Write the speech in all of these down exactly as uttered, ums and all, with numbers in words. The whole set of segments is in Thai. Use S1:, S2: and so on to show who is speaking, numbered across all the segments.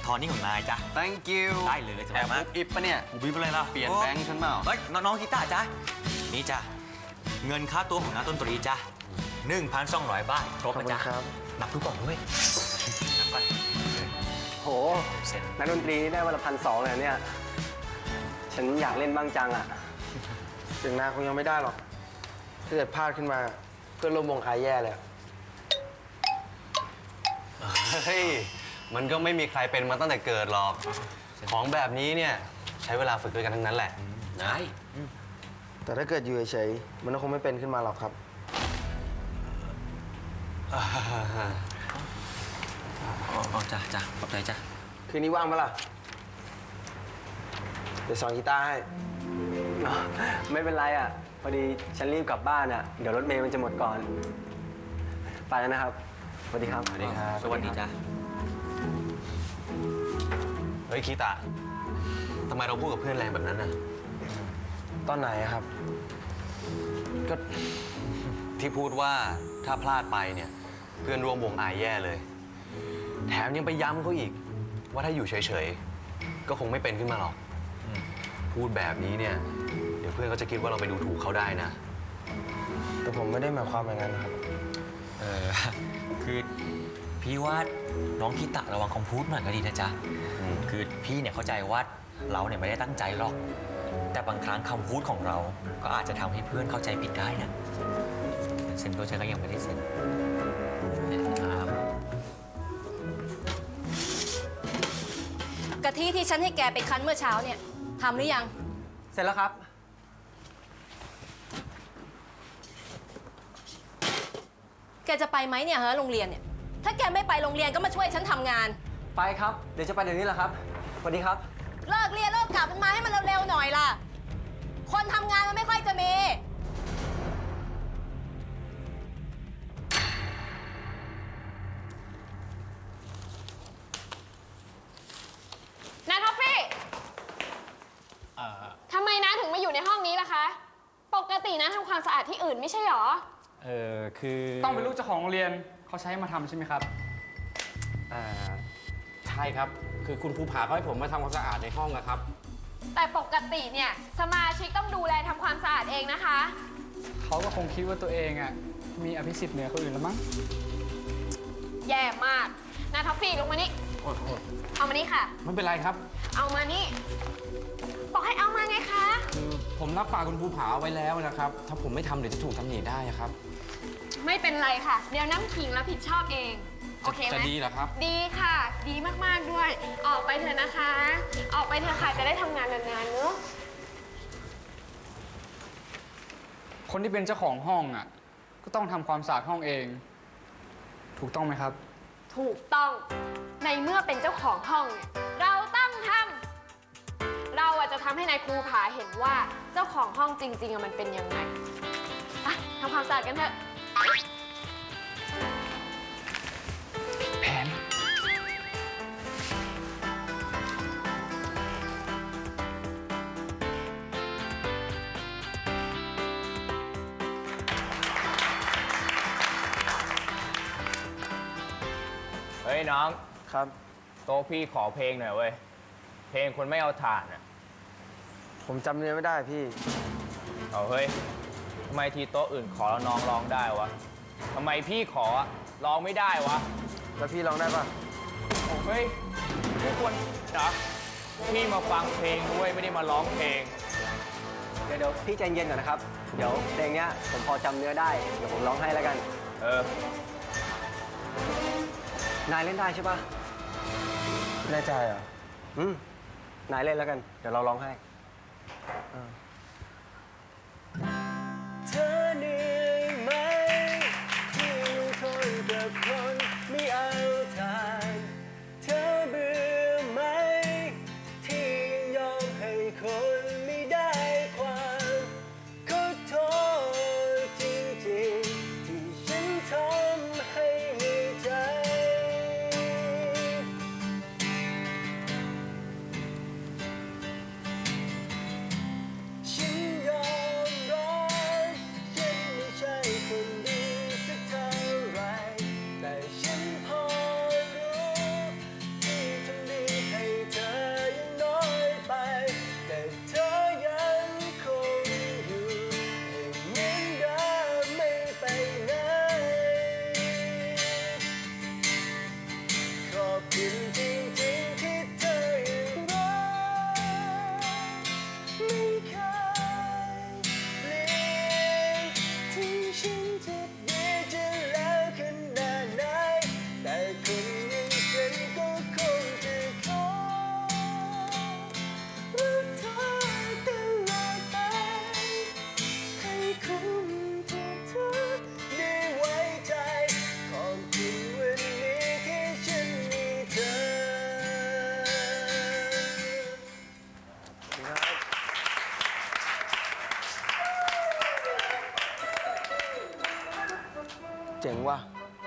S1: ทอนนี่ของนายจ้ะ
S2: thank you
S1: ได้เลยสบายมาก
S2: แอบอิบปะเนี่ย
S1: กูบีบอะไรล่ะ
S2: เปลี่ยนแบงค์ฉันเปล่า
S1: เฮ้ยน้องๆกีตาร์จ้ะนี่จ้ะเงินค่าตัวของนักดนตรีจ้ะหนึ่งพันสองร้อยบาทครบนะจ๊ะนับดูก่อนด้วยนับก่อน
S3: โหนักดนตรีได้วันละพันสองเลยเนี่ยฉันอยากเล่นบ้างจังอ่ะ
S4: ถึงนาคงยังไม่ได้หรอกถ้าเกิดพลาดขึ้นมาเพื่อนร่วมวงอายแย่เลย
S2: เฮ้ยมันก็ไม่มีใครเป็นมาตั้งแต่เกิดหรอกของแบบนี้เนี่ยใช้เวลาฝึกด้วยกันทั้งนั้นแหละ
S1: ใช่
S4: แต่ถ้าเกิดอยู่เฉยๆมันก็คงไม่เป็นขึ้นมาหรอกครับ
S1: อ๋อจ้ะจ้ะขอบใจจ้ะ
S4: คืนนี้ว่างปะล่ะเดี๋ยวสอนกีตาร์ให้
S3: ไม่เป็นไรอ่ะพอดีฉันรีบกลับบ้านอ่ะเดี๋ยวรถเมล์มันจะหมดก่อนไปแล้วนะครับสวัสดีครับ
S1: สวัสดีครับสวัสดีจ้ะ
S2: เฮ้ยคีตาทำไมเราพูดกับเพื่อนแรงแบบนั้นน่ะ
S4: ตอนไหนอะครับ
S2: ก็ที่พูดว่าถ้าพลาดไปเนี่ยเพื่อนร่วมวงอายแย่เลย แถมยังไปย้ำเขาอีก ว่าถ้าอยู่เฉยๆก็คงไม่เป็นขึ้นมาหรอกพูดแบบนี้เนี่ยเดี๋ยวเพื่อนก็จะคิดว่าเราไปดูถูกเขาได้นะ
S4: แต่ผมไม่ได้หมายความอย่างนั้นนะครับ
S1: เออคือพี่ว่าน้องคิตะระวังคำพูดหน่อยก็ดีนะจ๊ะคือพี่เนี่ยเข้าใจว่าเราเนี่ยไม่ได้ตั้งใจหรอก แต่บางครั้งคำพูดของเราก็อาจจะทำให้เพื่อนเข้าใจผิดได้นะเซ็นตัวฉันก็ยังไม่ได้เซ็นครับ
S5: กะทิที่ฉันให้แกไปคั้นเมื่อเช้าเนี่ยทำหรือยัง
S3: เสร็จแล้วครับ
S5: แกจะไปไหมเนี่ยฮะโรงเรียนเนี่ยถ้าแกไม่ไปโรงเรียนก็มาช่วยฉันทำงาน
S3: ไปครับเดี๋ยวจะไปเดี๋ยวนี้แหละครับสวัสดีครับ
S5: เลิกเรียนเลิกกลับมันมาให้มันเร็วๆหน่อยล่ะคนทำงานมันไม่ค่อยจะมี
S6: นาท็อฟฟี่ทำไมนะถึงมาอยู่ในห้องนี้ล่ะคะ ปกตินะทำความสะอาดที่อื่นไม่ใช่หรอ
S7: เออคือ
S8: ต้องเป็นลูกเจ้าของโรงเรียนเขาใช้มาทำใช่ไหมครับ
S7: อ่าใช่ครับ คือคุณภูผาเขาให้ผมมาทำความสะอาดในห้องนะครับ
S6: แต่ปกติเนี่ยสมาชิกต้องดูแลทำความสะอาดเองนะคะ
S8: เขาก็คงคิดว่าตัวเองอ่ะมีอภิสิทธิ์เหนือคนอื่นแล้วมั้ง
S6: แย่มากนาท็อฟฟี่ลงมานี่
S7: โอ้โห
S6: เอามานี่ค่ะ
S7: ไม่เป็นไรครับ
S6: เอามานี่ บอกให้เอามาไงคะ
S7: คือผมรับปากคุณภูผาเอาไว้แล้วนะครับ ถ้าผมไม่ทำเดี๋ยวจะถูกตำหนิได้ครับ
S6: ไม่เป็นไรค่ะ เดี๋ยวน้ำขิงรับผิดชอบเอง โอเคไหม
S7: จะดีเหรอครับ
S6: ดีค่ะ ดีมากๆด้วย ออกไปเถอะนะคะ ออกไปเถอะค่ะจะได้ทำงานนานๆเนอะ
S8: คนที่เป็นเจ้าของห้องอ่ะก็ต้องทำความสะอาดห้องเอง ถูกต้องไหมครับ
S6: ถูกต้อง ในเมื่อเป็นเจ้าของห้องเนี่ยเราต้องทำเราอาจจะทำให้นายครูผาเห็นว่าเจ้าของห้องจริงๆอะมันเป็นยังไงอ่ะทำความสะอาดกันเถอะ
S8: แผน
S9: เฮ้ยน้อง
S4: ครับ
S9: โต๊ะพี่ขอเพลงหน่อยเว้ย เพลงคนไม่เอาถ่านอ่ะ
S4: ผมจำเนื้อไม่ได้พี่
S9: เอาเฮ้ยทำไมทีโต๊ะอื่นขอแล้วน้องร้องได้วะทำไมพี่ขอร้องไม่ได้วะ
S4: แล้วพี่ร้องได้ปะ
S9: โอ้เฮ้ยทุกคนนะพี่มาฟังเพลงด้วยไม่ได้มาร้องเพลง
S3: เดี๋ยวเดี๋ยวพี่ใจเย็นก่อนนะครับ เดี๋ยวเพลงเนี้ยผมพอจำเนื้อได้เดี๋ยวผมร้องให้แล้วกัน
S9: เออ
S3: นายเล่นได้ใช่ปะ
S4: แน่ใจเหรอ
S3: อืมนายเล่นแล้วกันเดี๋ยวเราร้องให้เธอเหนื่อยไหมที่อยู่ทนกับคนไม่เอาทานเธอเบื่อไหมที่ยอมให้คนไม่ได้ความขอโทษจริงๆที่ฉันทำให้เหนื่อยใจฉันยอมรับฉัน
S4: เจ๋งว่ะ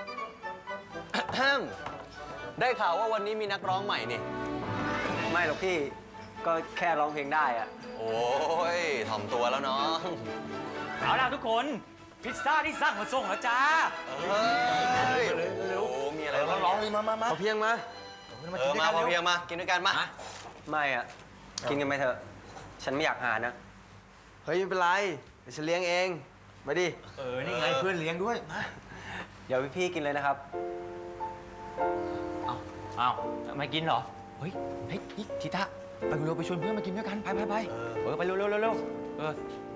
S2: ได้ข่าวว่าวันนี้มีนักร้องใหม่นี่
S3: ไม่หรอกพี่ ก็แค่ร้องเพลงได้อะ
S2: โอ้ยถ่อมตัวแล้วน้อง
S1: เอาล่ะทุกคน พิซซ่าที่สั่งมาส่งแล้วจ้า
S2: เฮ้ยโอ้โหมีอะไรบ้าง
S3: ร้องเลยมามามา
S4: เอาเพียงมา
S2: เออ มาพอเพียงมา กินด้วยกันมา
S3: ไม่อะกินกันไปเถอะ ฉันไม่อยากหานะ
S4: เฮ้ย ไม่เป็นไร เดี๋ยวฉันเลี้ยงเอง มาดิ
S1: เออ นี่ไงเพื่อนเลี้ยงด้วย
S3: เดี๋ยวพี่ๆกินเลยนะครับ
S1: เอาเอาไม่กินเหรอ เฮ้ยเฮ้ยนี่ทิตะไปเร็วๆไปชวนเพื่อนมากินด้วยกัน ไปไปไปเออ ไปเร็วเร็วเร็วเร็วเออ